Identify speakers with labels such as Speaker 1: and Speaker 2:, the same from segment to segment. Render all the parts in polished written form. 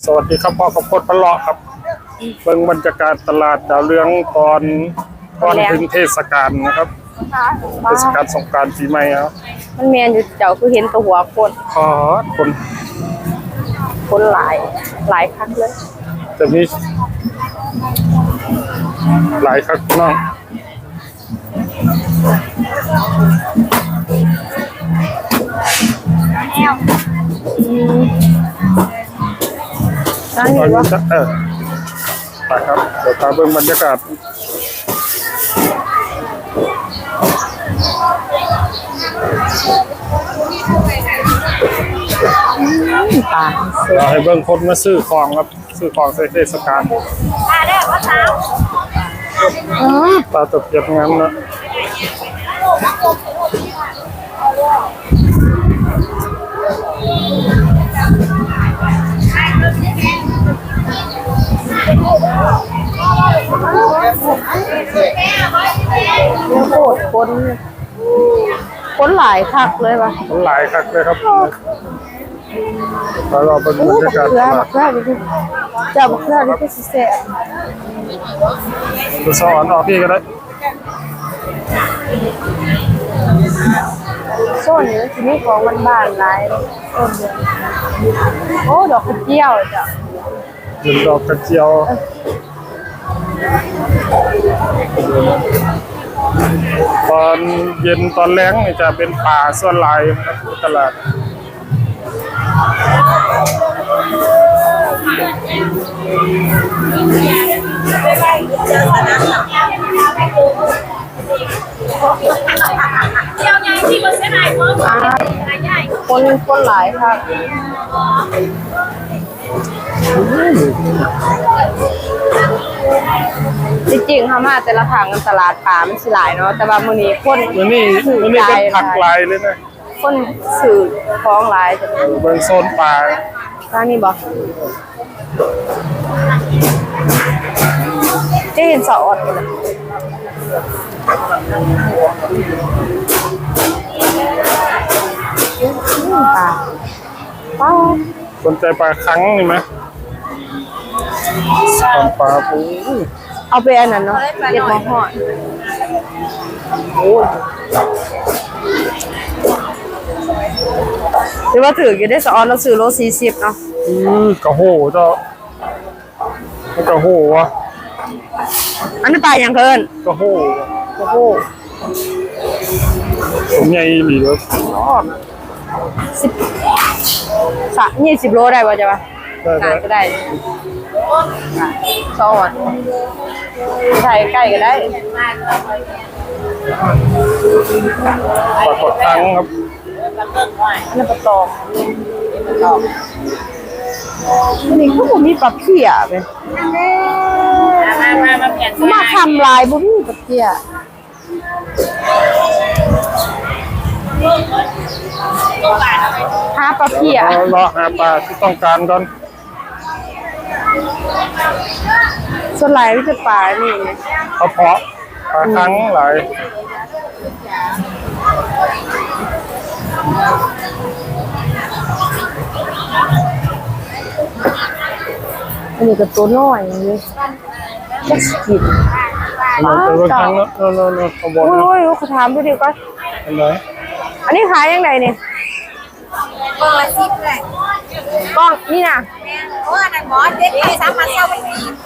Speaker 1: สวัสดีครับพ่อขอบคุณพะเลาะครับเบิ่งบรรยากาศตลาดดาวเรืองก่อนถึงเทศกาลนะครับเทศกาลสงกรานต์ปีใหม่ครับ
Speaker 2: มันแมนอยู่เจ้าคือเห็นตัวหัวคน
Speaker 1: ขอ
Speaker 2: คนหลายครั้งเลย
Speaker 1: จะมีหลายครั้งน้อง
Speaker 2: นั่งอยู่วะ
Speaker 1: ไปครับเดี๋ยวพาเบิ่งบรรยากาศ
Speaker 2: ป่า
Speaker 1: เราให้เบิ่งคนมาซื้อของครับซื้อของใส่เทศกาลตาตกเก็บงั้นนะ
Speaker 2: โคตรคนหลายคักเลยป่ะ
Speaker 1: คนหลายคักเลยครับเราเป็นบรรยากาศ
Speaker 2: บักเขือดิเจ้าบักเขือดิก็สิแซ่
Speaker 1: บสอนออกพี่ก็ได้
Speaker 2: โซนนี้ที่นี่ของบ้านหลายโซนเดียวโอ้ดอกกระเจียวจ้ะ
Speaker 1: เป็นดอกกระเจียวตอนเย็นตอนแล้งนี่จะเป็นป่าส่วนลายครับตลาด
Speaker 2: คนหลายครับจริงๆเขามาแต่ละทางกันตลาดป่ามันสิหลายเนาะแต่ว่ามื้อนี้คน
Speaker 1: ก็ผักหลายเลยนะ
Speaker 2: คนสื่อของหลายจะ
Speaker 1: เบิ่งโซนป่า
Speaker 2: ทางนี้บ่จะเห็นสะอดเลยป่า
Speaker 1: สนใจปลาคังนี่ไหมปลาปู
Speaker 2: เอาไปอันนั้นเนาะเรียกมาห่อโอ้ยหรือว่าถือกี่ได้สะออนเราซื้อโล40เนาะ
Speaker 1: กระโหเจ้ากระโหวะ
Speaker 2: อันนี้ปลาอย่างเกิน
Speaker 1: กระโหผมใหญ่หรือว่า
Speaker 2: 20โลได้ป่ะจ๊ะป่ะก็ได้สะออนใส่ใกล้ก็ได้
Speaker 1: ปลากดคังครับ
Speaker 2: นี่ปลาตองนี่เขาบอกมีปลาเพี้ยเป็นมาทำลายบุ้มีปลาเพี้ยหาปลาเพี้ย
Speaker 1: รอหาปลาที่ต้องการก่อน
Speaker 2: ส่วนหลายไม่ใช่ปลานี่
Speaker 1: เพาะปลาคังหลาย
Speaker 2: อันนี้ก็ตัวน้อยอย่างนี้จะกิน
Speaker 1: ปลาคังแล้วขบวน
Speaker 2: โอ้ยเขาถามพี่ดิวก็อันนี้ขายยังไงเนี่ย
Speaker 3: กล่องละ10เลย
Speaker 2: กล้องนี่นะ
Speaker 3: โอ้ยนั่นหมอเด็กที่สามารถเข้าไปกิน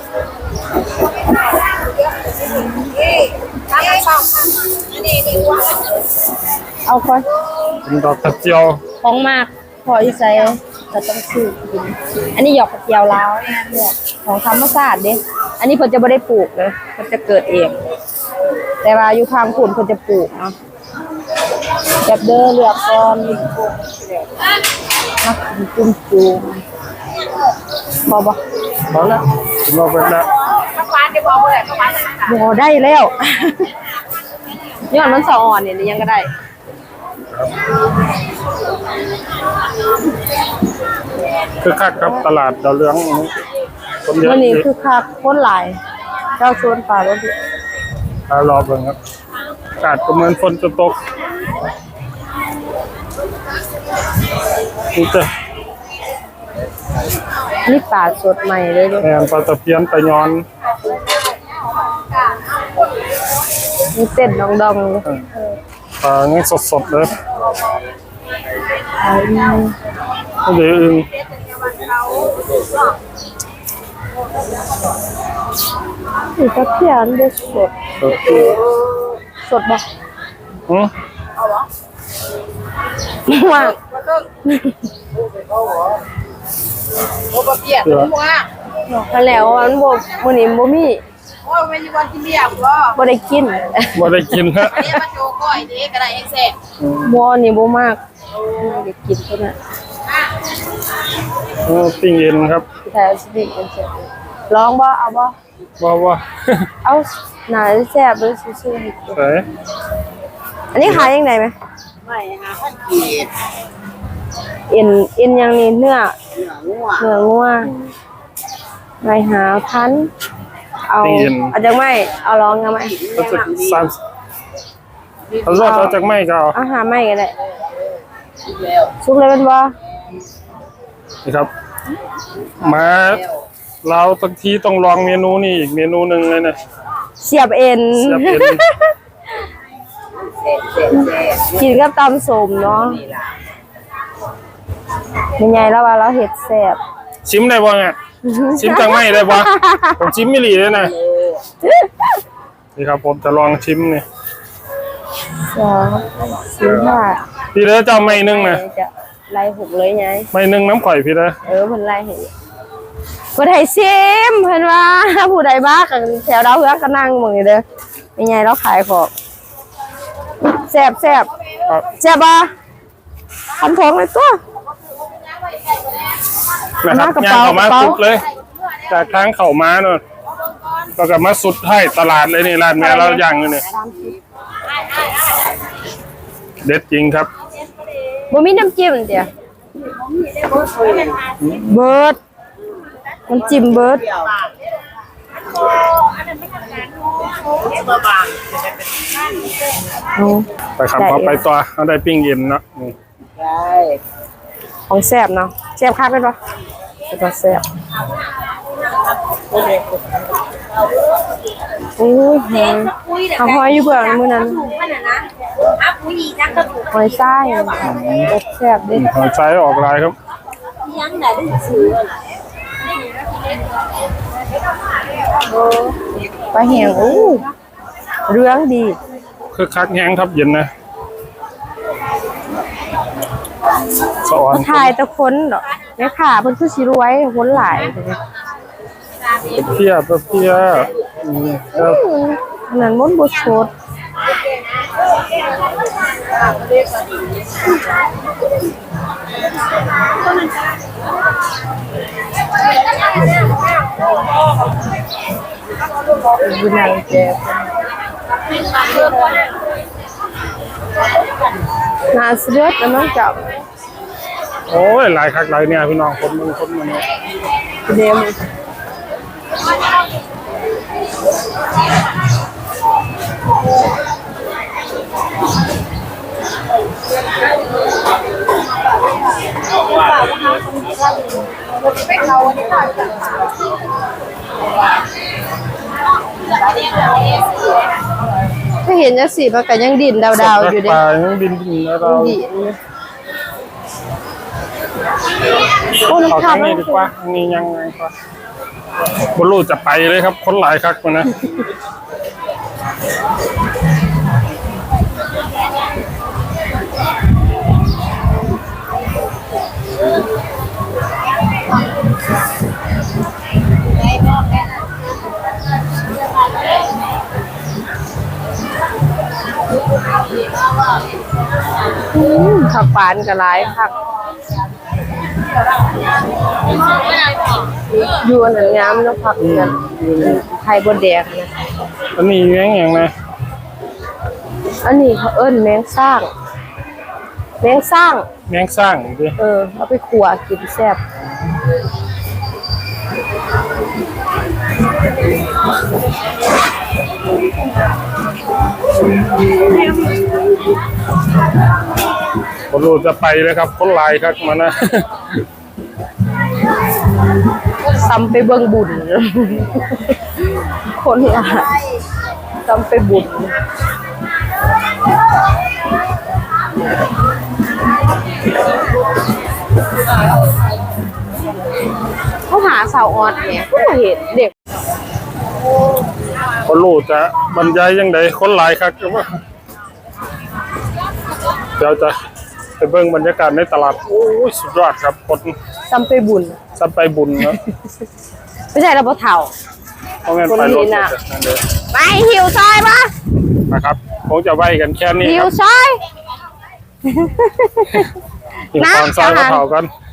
Speaker 3: สามารถเข้านี่
Speaker 2: เอาค่อย
Speaker 1: เป็นดอกกระเจียว
Speaker 2: ของมากพออีไซจะต้องซื้อกินอันนี้หยอกกระเจียวลาวเนี่ยของธรรมชาติเด้อันนี้เพิ่นจะไม่ได้ปลูกเลยมันจะเกิดเองแต่ว่าอยู่ข้างคุณเพิ่นจะปลูกเนาะแบบเด้อเลือกก่อนนักจุ่มจูพอบ่
Speaker 1: พอแล้วเราเป็นแล้ว
Speaker 2: พอได้แล้วย้อนมันสะอ่อนเนี่ยยังก็ได้
Speaker 1: คือคักครับตลาดดาวเรือง
Speaker 2: คนเยอะวันนี้คือคักคนหลายเจ้าชวนป่ารถ
Speaker 1: รอเบิ่งครับอากาศก็เหมือนฝนจะตกดูเถอะ
Speaker 2: นี่ปลาสดใหม่เลยเด้
Speaker 1: แม่นปลาตะเพียนปลาย้อน
Speaker 2: มีเส้นดองๆเลย
Speaker 1: ปลายังสดๆเลย
Speaker 2: อืม
Speaker 1: เดี๋ยวอึ่ง
Speaker 2: นี่ก็เพียนเด้อสด
Speaker 1: โอเค
Speaker 2: สดบ่
Speaker 1: อืม
Speaker 2: ว่า
Speaker 3: โอ้บะเปียกหัว
Speaker 2: มาแล้วมันบ่มื้อนี้บ่มี
Speaker 3: โอ้ไม่มีวันกินเบียร์บ่
Speaker 2: บ่ได้กิน
Speaker 1: บ่ได้กินฮะ
Speaker 3: อันนี้มาโจก้อยนี่ก็ได้เองแซ่บ
Speaker 2: บ่นี่บ่มากบ่ได้กินพุ่นน่ะ
Speaker 1: ปิ้งเอ็นครับ
Speaker 2: พี่ไทยเอาสิกินกันเสร็จลองบ่เอาบ่
Speaker 1: ว่า
Speaker 2: เอาหน่าแซ่บเลยซื่อๆให้กิน
Speaker 1: ใส่
Speaker 2: อันนี้ขายยังไงไหม
Speaker 3: ไม่หาพันกีด
Speaker 2: เอ็นยังนี่เนื้อ
Speaker 3: เนื้องัว
Speaker 2: เนื้องัวไม่หาพันเอาจังไม่เอาลองกันไหม
Speaker 1: ก็จะ3เอารอดเอาจากไม้ก็เอา
Speaker 2: เอาหาไม่ก็ได้
Speaker 3: แล้ว
Speaker 2: ซุกเลยเป็นบ่
Speaker 1: นี่ครับ มาเราบางทีต้องลองเมนูนี่อีกเมนูหนึ่งเลยนะ
Speaker 2: เสียบเอ็น
Speaker 1: เสียบเอ็น
Speaker 2: กินกับตำสมเนาะเป็นไงแล้วว่าเราเห็ดแซ่บ
Speaker 1: ชิมได้บ่เนี่ยชิมจากไม้ได้บ่ผมชิมไม่หลีเลยนะนี่ครับผมจะลองชิมนี่
Speaker 2: สองสี่ห้า
Speaker 1: พี่เด้อเจ้าไม้หนึงนะ
Speaker 2: จะไล่หกเลยไง
Speaker 1: ไม้หนึงน้ำข่อยพี่เด้อ
Speaker 2: เพิ่นไล่ให้บ่ได้ซิมเพิ่นว่าผู้ใดบ้ากันแถวดาวเฮืองก็นั่งหมึงนี่เด้อเป็นไงเราขายของแซ่บ
Speaker 1: ครับ
Speaker 2: แซ่บบ่ทำของเลยตัว
Speaker 1: นะครับ
Speaker 2: กระ
Speaker 1: ย่าง
Speaker 2: เป๋า
Speaker 1: เข้ามาก
Speaker 2: ระเป๋า
Speaker 1: สุดเลย จากทางเข้ามาเนาะแล้วก็มาสุดให้ตลาดเลยนี่ร้านแม่เราย่างอยู่นี่เด็ดจริงครับ
Speaker 2: บ่มีน้ำจิ้มเดี๋ยวเบิร์ดน้ำจิ้มเบิร์ด
Speaker 1: ไปขับเขาไปตัวเขาได้ปิ้งเย็นเนาะนี่
Speaker 3: ได้
Speaker 2: ของแซ่บเนาะแซ่บคักเป็นปะเป็นปะแซ่บโอ้ยแหงเอาหอยอยู่เบื้องมื้อนั้น
Speaker 3: ผู้หญิงนักกระปุก
Speaker 2: หอยทรายแซ่บเด้
Speaker 1: หอยไซออกลายครับ
Speaker 3: ยังไหนได้ซื้อ
Speaker 2: ปลาแห้งโอ้เรื่องดี
Speaker 1: คือคักแห้งครับเย็นนะสะออน
Speaker 2: ถ่ายแต่คนเนาะแม่ค้าเพิ่นคือสิรวยคนหลาย
Speaker 1: เพียครับ
Speaker 2: อันนั้นมันบ่สดอยู่ในแจกน่าเสียดแล้วมันจับ
Speaker 1: โอ้ยหลายคักหลายเนี่ยพี่น้องคนมึงเนี่ย
Speaker 2: เดม ถ้าเห็นจังซี่มันก็ยังดินดาวๆอยู่เด้
Speaker 1: ปลายังบินแล้วเรา
Speaker 2: ดินอยู่โอ้
Speaker 1: เอา
Speaker 2: น้ำ
Speaker 1: ทา
Speaker 2: ข้าว
Speaker 1: ง
Speaker 2: มั
Speaker 1: นี้
Speaker 2: น
Speaker 1: ดีกว่าทางนี้ยังไงครับบรูจะไปเลยครับ คนหลายคักมานะ
Speaker 2: ผักปานก็หลายคักอยู่อันนั้นงามเนาะผักนั้นไข่บดแดงนะ
Speaker 1: อันนี้แยังไง
Speaker 2: อันนี้เขาเอิ้นแมงสร้างแมงสร้าง
Speaker 1: แมงสร้างดิ
Speaker 2: เอาไปขั่วกินแซ่บ
Speaker 1: บรูจะไปเลยครับ คนหลายคักมานะ
Speaker 2: ซ้ำไปเบิ่งบุญ คนละซ้ำไปบุญเขาหาสาวออดเนี่ยก็เห็นเด็ก
Speaker 1: คนรู้จะบรรยายยังไงคนหลายครับว่าเดี๋ยวจะไปเบิ่งบรรยากาศในตลาดโอ้ยสุดยอดครับคน
Speaker 2: ซ้ำไปบุญ
Speaker 1: สันไปบุญเนาะ
Speaker 2: ไม่ใช่เราบ่เฒ่า
Speaker 1: เพราะงั้นไปรถนั่นเลย
Speaker 2: ไปหิวซอยปะ
Speaker 1: นะครับคงจะไว้กันแค่นี้
Speaker 2: หิ
Speaker 1: คว รับ
Speaker 2: ซอย
Speaker 1: หิวตอนซอยกระเพรากัน